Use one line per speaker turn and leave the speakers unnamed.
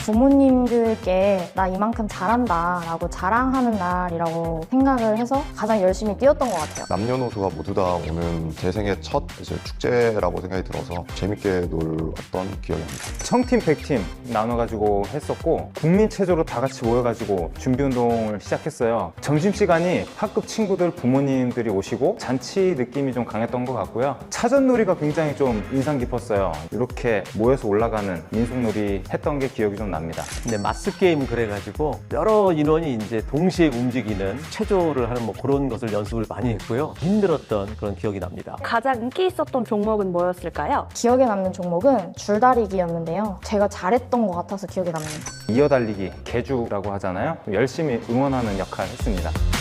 부모님들께 나 이만큼 잘한다 라고 자랑하는 날이라고 생각을 해서 가장 열심히 뛰었던 것 같아요.
남녀노소가 모두 다 오는 제 생애 첫 이제 축제라고 생각이 들어서 재밌게 놀았던 기억이 납니다.
청팀, 백팀 나눠가지고 했었고 국민체조로 다 같이 모여가지고 준비운동을 시작했어요. 점심시간이 학급 친구들, 부모님들이 오시고 잔치 느낌이 좀 강했던 것 같고요. 차전놀이가 굉장히 좀 인상 깊었어요. 이렇게 모여서 올라가는 민속놀이 했던 게 기억이 좀 납니다.
근데 마스게임 그래가지고 여러 인원이 이제 동시에 움직이는 체조를 하는 뭐 그런 것을 연습을 많이 했고요. 힘들었던 그런 기억이 납니다.
가장 인기 있었던 종목은 뭐였을까요?
기억에 남는 종목은 줄다리기였는데요. 제가 잘했던 것 같아서 기억에 남습니다.
이어달리기, 개주라고 하잖아요. 열심히 응원하는 역할을 했습니다.